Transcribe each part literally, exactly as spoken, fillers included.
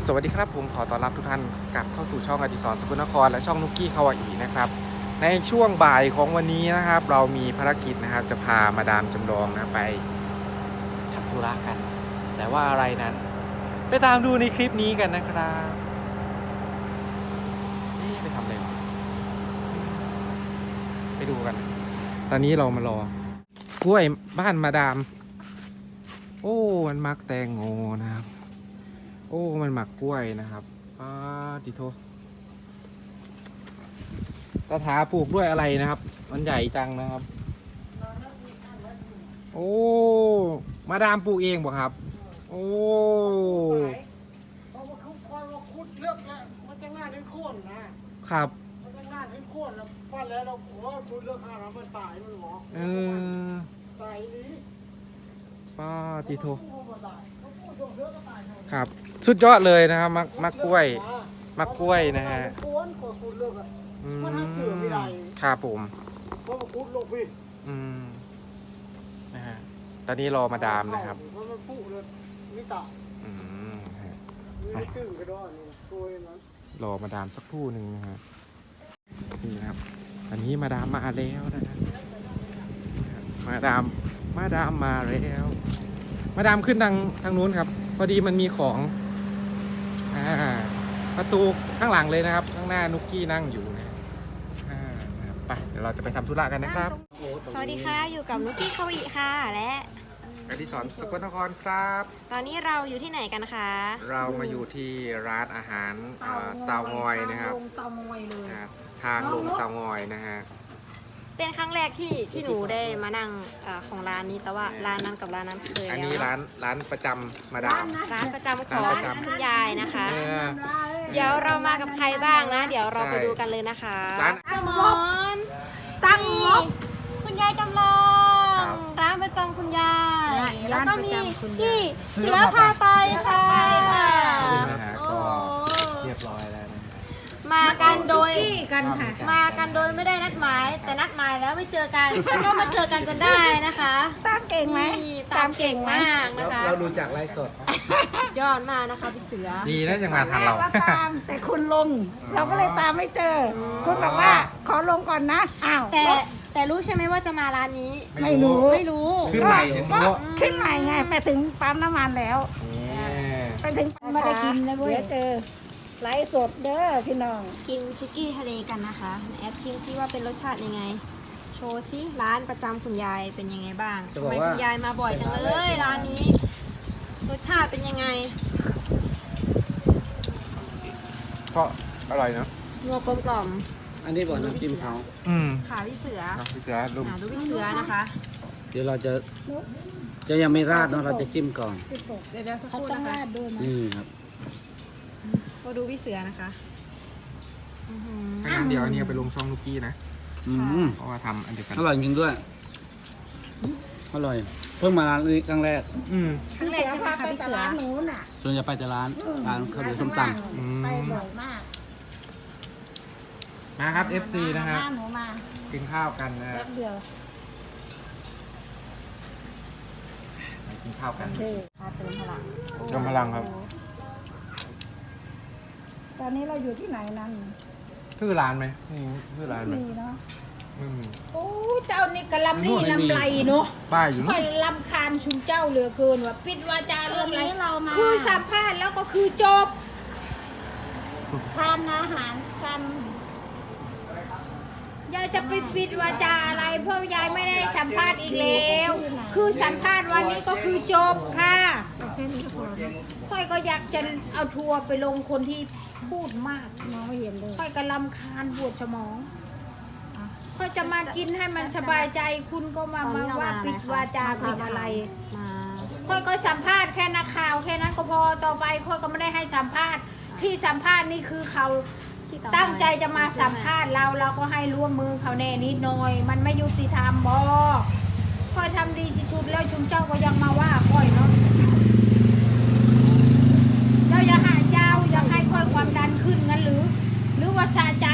สวัสดีครับผมขอต้อนรับทุกท่านกลับเข้าสู่ช่องอดิศรสกลนครและช่องนุกกี้คาวาอีนะครับในช่วงบ่ายของวันนี้นะครับเรามีภารกิจนะครับจะพามาดามจำลองนะไปทำธุระกัน แต่ว่าอะไรนั้นไปตามดูในคลิปนี้กันนะครับนี่ไปทำอะไรวะไปดูกัน ตอนนี้เรามารอกล้วยบ้านมาดามโอ้มันมักแตงโมนะครับโอ้มันหมักกล้วยนะครับป้าดิโทตาถาปลูกด้วยอะไรนะครับมันใหญ่จังนะครับโอ้มาดามปลูกเองบ่ครับโอ้เพราะว่าคุดคอยว่าคุดเลือกแล้วมันจะง่ายขึ้นโค่นนะครับมันจะง่ายขึ้นโค่นแล้วปั้นแล้วเราโอ้คุดเลือกห้าเรามันตายมันหรอเออตายนี้ป้าดิโทตายเขาพูดส่งเลือกก็ตายครับสุดยอดเลยนะครับมักมักกล้วยมักกล้วยนะฮะคุดคอยคุดเลือกอ่ะมันให้เกลือไม่ได้ครับผมเพราะว่าคุดลงพี่อืมนะฮะตอนนี้รอมาดามนะครับเพราะมันพูดเลยนี่ตาอืมนี่ตึ้งกระโดดนี่ตัวนั้นรอมาดามสักครู่หนึ่งนะฮะนี่นะครับตอนนี้มาดามมาแล้วนะฮะมาดามมาดามมาแล้วมาดามขึ้นทางทางนู้นครับพอดีมันมีของอ่าประตูข้างหลังเลยนะครับข้างหน้านุกกี้นั่งอยู่นะอ่าไปเดี๋ยวเราจะไปทำธุระกันนะครับสวัสดีค่ะอยู่กับนุกกี้คาวาอิค่ะและอดิศรสกลนครครับตอนนี้เราอยู่ที่ไหนกันคะเรามาอยู่ที่ร้านอาหารเตางอยนะครับเตางอยเลยทางลงเตางอยนะฮะเป็นครั้งแรกที่ที่หนูได้มานั่งอของร้านนี้แต่ว่าร้านนั้นกับร้านนั้นเคยแล้วอันนี้ร้านร้านประจำมาดามร้านประจำของคุณยายนะคะเดี๋ยวเรามากับใครบ้างนะเดี๋ยวเราไปดูกันเลยนะคะร้านจำลองตั้งงบคุณยายจำลองร้านประจำคุณยายแล้วก็มีที่เสือพาไปค่ะเรียบร้อยแล้วนะมากันโดยกันค่ะมากันโดยไม่ได้นัดหมายแต่นัดหมายแล้วไม่เจอกันแล้วก็มาเจอกันจนได้นะคะตามเก่งไหมตามเก่งมากนะคะเราดูจากไลฟ์สดยอดมากนะคะพี่เสือดีนะยังมาทันเราตามแต่คุณลงเราก็เลยตามไม่เจอคุณบอกว่าขอลงก่อนนะอ้าวแต่แต่รู้ใช่ไหมว่าจะมาร้านนี้ไม่รู้ไม่รู้ขึ้นใหม่ก็ขึ้นใหม่ไงไปถึงปั๊มน้ำมันแล้วไปถึงไม่ได้กินนะเว้ยเจอไลฟ์สดเด้อพี่น้องกินซุกี้ทะเลกันนะคะแอดชิมซิว่าเป็นรสชาติยังไงโชว์ซิร้านประจำคุณยายเป็นยังไงบ้างทำไมคุณยายมาบ่อยจังเลยร้านนี้รสชาติเป็นยังไงก็อร่อยนะนัวกลมกล่อมอันนี้บอกน้ำจิ้มเขาอืมขาพี่เสือพี่เสือดูดูพี่เสือนะคะเดี๋ยวเราจะจะยังไม่ราดเนาะเราจะจิ้มก่อนเดี๋ยวสักครู่นะคะนี่ครับก็ดูพี่เสือนะคะถ้างั้นเดี๋ยวอันนี้ไปลงช่องลูกกี้นะเพราะว่าทำอันเดียวกันอร่อยจริงด้วยอร่อยเพิ่งมาร้านนี้ครั้งแรกอืมครั้งแรกใช่ไหมคะพี่เสือหนูน่ะส่วนจะไปแต่ร้านร้านข้าวเหนียวส้มตำไปบ่อยมากมาครับ เอฟ ซี นะครับกินข้าวกันนะเดียวกินข้าวกันเติมพลังเติมพลังครับตอนนี้เราอยู่ที่ไหนนั่นชื่อร้านไหมนี่ชื่อร้านไหมมีเนาะโอ้เจ้านี่กะลำนี่ลำไรเนาะป้ายอยู่ค่อยลำคาญชุมเจ้าเหลือเกินว่าปิดวาจาเรื่องอะไรคือสัมภาษณ์แล้วก็คือจบทานอาหารกันยายจะไปปิดวาจาอะไรเพราะยายไม่ได้สัมภาษณ์อีกแล้วคือสัมภาษณ์วันนี้ก็คือจบค่ะค่อยก็อยากจะเอาทัวร์ไปลงคนที่พูดมากน้องไม่เห็นเลยค่อยกะลำคาญปวดสมองค่อยจะมากินให้มันสบายใจคุณก็มามาว่าปิดวาจาปิดอะไรค่อยก็สัมภาษณ์แค่นักข่าวแค่นั้นก็พอต่อไปค่อยก็ไม่ได้ให้สัมภาษณ์ที่สัมภาษณ์นี่คือเขาตั้งใจจะมาสัมภาษณ์เราเราก็ให้ร่วมมือเขาแน่นิดหน่อยมันไม่ยุติธรรมบอค่อยทำดีที่สุดแล้วชุมเจ้าก็ยังมาว่าค่อยเนาะเจ้าอย่าหาเจ้าอยากให้ค่อยความดันขึ้นงั้นหรือหรือว่าสะใจ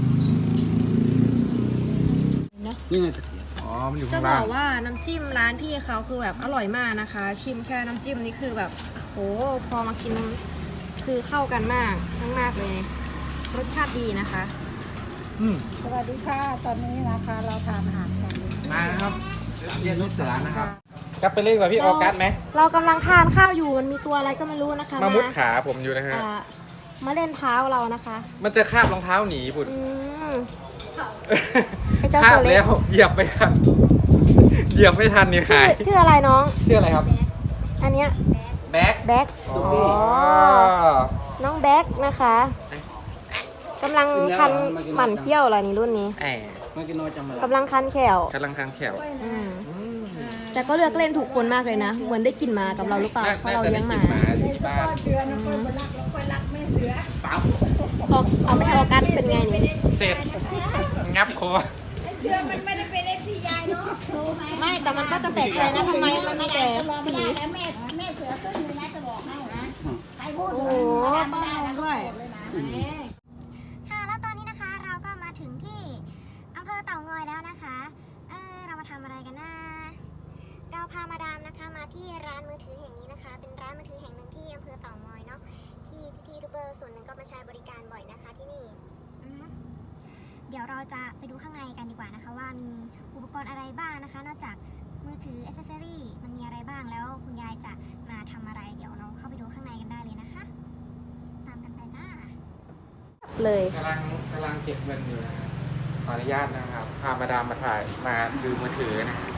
นี่ไงอ๋อมันอยู่จะข้างบล่างอกว่าน้ำจิ้มร้านพี่เขาคือแบบอร่อยมากนะคะชิมแค่น้ำจิ้มนี่คือแบบโหพอมากินคือเข้ากันมากมากๆเลย รสชาติดีนะคะอืมสวัสดีค่ะ ตอนนี้นะคะเราทานอาหารกันมานะครับเรียนนุชสารนะครับกลับไปเล่นกับพี่ออกัสไหมเรากำลังทานข้าวอยู่มันมีตัวอะไรก็ไม่รู้นะคะมามุดขาผมอยู่นะฮะอ่ามาเล่นเท้าเรานะคะมันจะคาบรองเท้าหนีบุญอืม ไอ้เจ้าคาตับวเล็แล้กวเหยียบไม่ทันเหยียบไม่ทันนี่ชื่หาอย ชื่ออะไรน้องชื่ออะไรครับอันเนี้ยแบ็คแบ็คอ๋อ๋ออ น้องแบ็คนะคะกำลังคันหมั่นเขี้ยวอะไรนี่รุ่นนี้แอบไม่กินน้อยจำมากำลังคันแขวกำลังคางแขวอืมแต่ก็เลือกเล่นถูกคนมากเลยนะ เหมือนได้กินหมากับเราหรือเปล่าน่าเพราะน่าเราจะเลี้ได้ยงหกิมานหมาที่บ้านเชื้อนะคนรักแล้วคนรักไม่เสือเอาเอาไม่ให้ออกัสเป็นไงนี่เสร็จงับคอเชื่อมันไม่ได้เป็นเอฟซียายเนาะรู้ไหมไม่แต่มันก็จะแปลกใจนะทำไมมันมีแต่สีแล้วแม่แม่เสือขึ้นอยู่นะจะบอกให้นะใครพูดโอ้โหไม่ได้นะด้วยค่ะแล้วตอนนี้นะคะเราก็มาถึงที่อำเภอเต่างอยแล้วนะคะเออเรามาทำอะไรกันนะเราพามาดามนะคะมาที่ร้านมือถือแห่งนี้นะคะ เป็นร้านมือถือแห่งหนึ่งที่อำเภอเต่างอยเนาะที่พี่ๆยูทูบเบอร์ส่วนหนึ่งก็มาใช้บริการบ่อยนะคะที่นี่อือฮึเดี๋ยวเราจะไปดูข้างในกันดีกว่านะคะ ว่ามีอุปกรณ์อะไรบ้างนะคะ นอกจากมือถืออ c เซสซอรี่มันมีอะไรบ้างแล้วคุณยายจะมาทำอะไรเดี๋ยวเราเข้าไปดูข้างในกันได้เลยนะคะ ตามกันไปจ้าเลยกำลังกำลังเก็บเงินอยู่นะฮะขออนุญาตนะครับ พามาดามมาถ่ายมาดูมือถือนะฮะ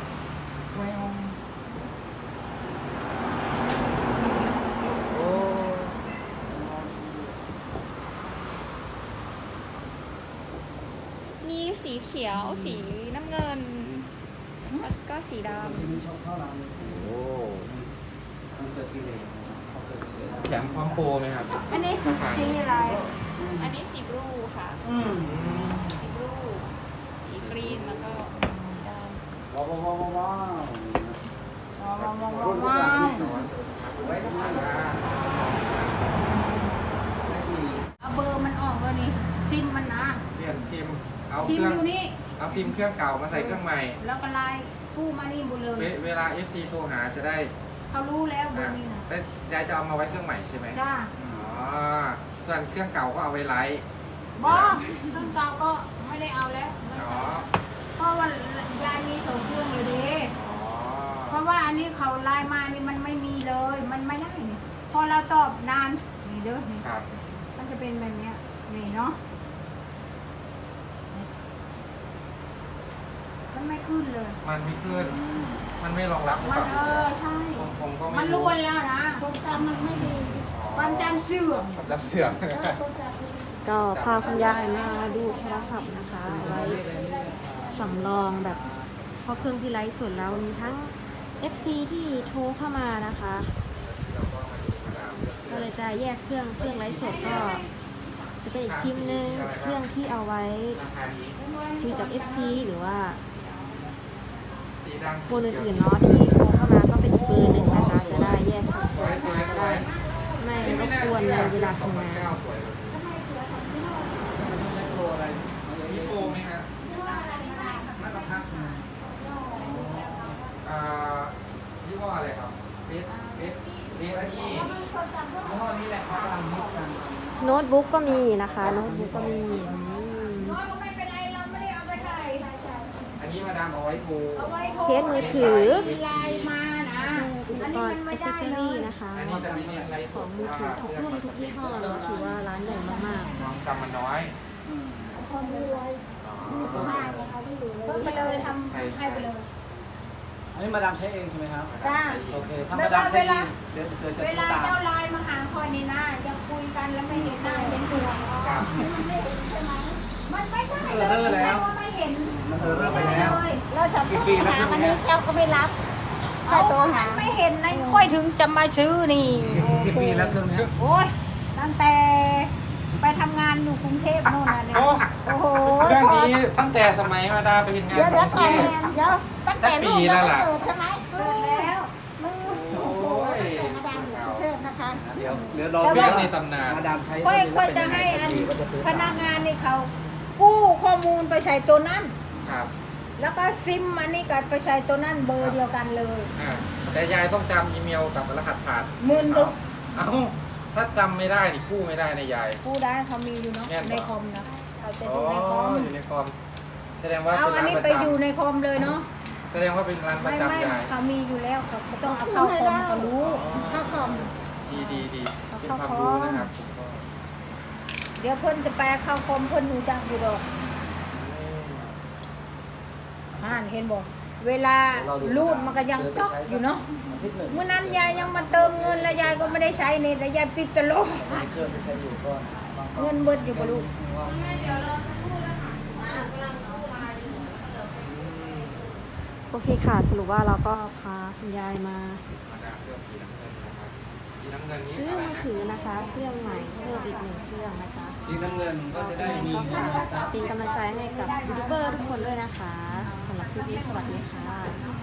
โอ้มีสีเขียว สีน้ำเงิน แล้วก็สีดมีชอบเข้าร้านเลยโหมันเกิดกิเลสเขาเกิดกิเลสแถมความโปรไหมครับอันนี้สีสีอะไรำอันนี้สีบลูค่ะอืมสีบลู สีกรีน แล้วก็สีดำว้าวว้าวว้าวว้าวว้าวว้าวว้าวว้าวไว้ทำงานนะเอาเบอร์มันออกแล้วนี่ซิมมันนะเปลี่ยนซิม เอาซิเคมรื่องอยู่นี่เอาซิมเครื่องเก่ามาใส่เครื่องใหม่แล้วก็ไลน์กู้มานี่หมดเลยเวเวลา เอฟ ซี โทรหาจะได้เขารู้แล้วเบออ่ะร์นี้นะแล้วยายจะเอามาไว้เครื่องใหม่ใช่ไหมจ้าอ๋อ ส่วนเครื่องเก่าก็เอาไว้ไลฟ์บอเครื่องเก่าก็ไม่ได้เอาแล้วไม่อ๋อใช่เพราะว่ายายมีสองเครื่องเลยเด้อ๋อเพราะว่าอันนี้เขาไลน์มานี่มันไม่มีเลย มันไม่ได้นี่พอเราตอบนานนี่เด้อนี่ครับมันจะเป็นแบบเนี้ยนี่เนาะมันไม่ขึ้นเลยมันไม่ขึ้น มันไม่รองรับหรือมัเปนล่าเออใช่ผมผมก็ไม่มันล้วนแล้วนะความจำมันไม่ดีความจำเสื่อมผมรับเสื่อมก็พาคุณยายมาดูโทรศัพท์นะคะไว้สำรองแบบเพราะเครื่องที่ไลฟ์สดแล้วมีทั้ง เอฟ ซี ที่โทรเข้ามานะคะ ก็เลยจะแยกเครื่องเครื่องไลฟ์สดก็จะเป็นอีกทีมนึงเครื่องที่เอาไว้ราคานี้คุยกับ เอฟ ซี หรือว่าสีดำคนอื่นๆเนาะที่โทรเข้ามาก็เป็นอีกเบอร์หนึ่งนะคะจะได้แยกสัดสส่ววยนสวยสจะวได้ยไม่รบกวนในเวลาทำงานสวยเลยมีโปรไหมฮะไม่บังคับใช่ไหมอ่ายี่ห้ออะไรครับเบสเบสเบสนี่ยี่ห้อนี้แหละเขากำลังฮิตกันโน้ตบุ๊กก็มีนะคะ โน้ตบุ๊กก็มีอืมน้อยก็ไม่เป็นไรเราไม่ได้เอาไปถ่ายอันนี้มาดามเอาไว้โทรเอาไว้โทรเคสมือถือมีไลน์มานะอุปอันกนี้รมัณ์นอไม่ c เซได้สซอเลรี่ยนะคะอันนี้จะมีอะไรของมือถือทุกรุ่นทุกยี่ห้อเนาะถือว่าร้านใหญ่มากน้องจำมันน้อยอืมความรวยมีสมากนะคะที่อยู่เพิ่มไปเลยทำให้ไปเลยอันนี้มาดามใช้เองใช่ไหมครับจ้าโอเคถ้ามาดามใช้เองเดี๋ยวเสือจะเวซื้อลาตามเจ้าไลน์มาหาคอยนี่นะจะคุยกันแล้วไม่เห็นหน้าเห็นตัวครับมันไม่ได้เลยไม่ใช่ว่าไม่เห็นมันเออเริ่มไปไม่แล้ได้วเลยแล้วจะกี่ปีแล้วหาเครื่องมันเนี้นี้ยเจ้าก็ไม่รับเอามันไม่เห็นในค่อยถึงจะมาชื่อนี่กี่ปีแล้วเครื่องเนี้ยโอ้ยตั้งแต่ไปทำงานอยู่กรุงเทพโน่นน่ะเนี่ยโอ้โอ้โหเรื่องนี้ตั้งแต่สมัยมาดามไปเห็นงานเดี๋ยวเดี๋ยวขก่ออนงเกเดี๋ยวตั้งแต่ลูกปีแล้เราวล่ะเกิดใช่ไหมเกิดแล้วมึงโอ้โหตั้งแต่มาดามอยู่กรุงเทพนะคะเดี๋ยวเดี๋ยวรอเรื่องในตำนานมาดามใช้ค่อยค่อยจะให้อันพนักงานนี่เขากู้ข้อมูลไปใส่ตัวนั้นครับแล้วก็ซิมอันนี้ก็ไปใส่ตัวนั้นเบอร์เดียวกันเลยอ่าแต่ยายต้องจำอีเมลกับรหัสผ่านหมื่นตึกเอ้าถ้าจำไม่ได้นี่กู้ไม่ได้นะยายกู้ได้เขามีอยู่เนาะแม่นบ่ในคอมนะเขาจะอ๋ออยู่ในคอมอยู่ในคอมแสดงว่าเอาเป็นอันร้านนี้ประไปจอยู่ในคอมเลยเนาะำแสดงว่าเป็นร้านประไม่ไม่จำยายเขามีอยู่แล้วเขาก็ต้องเอาเข้าคอมเขารู้ถ้าคอมดีดีดีเอาเป็นเข้าความคอมรู้นะครับผมก็เดี๋ยวเพิ่นจะแปลเข้าคอมเพิ่นหูจักอยู่ดอกอ่านเห็นบอกเวลารูดมันก็ยังต๊อกอยู่เนาะอาทิตย์หนึ่งเมื่อนั้นยายยังมาเติมเงินแล้วยายก็ไม่ได้ใช้เน็ตแล้วยายปิดตลกมีเครื่องที่ใช้อยู่ก็บางเงินเบิดอยู่กับลูกโอเคค่ะ สรุปว่าเราก็พาคุณยายมามาดามเลือกสีน้ำเงินนะครับสีน้ำเงินนี้ซื้ออะไรมือนะถือนะคะ เครื่องใหม่เพิ่มอีกหนึ่งเครื่องนะคะสีน้ำเงินก็จะได้มีก็ฝากเป็นกำลังใจให้กับยูทูบเบอร์ทุกคนด้วยนะคะสำหรับคลิปนี้สวัสดีค่ะ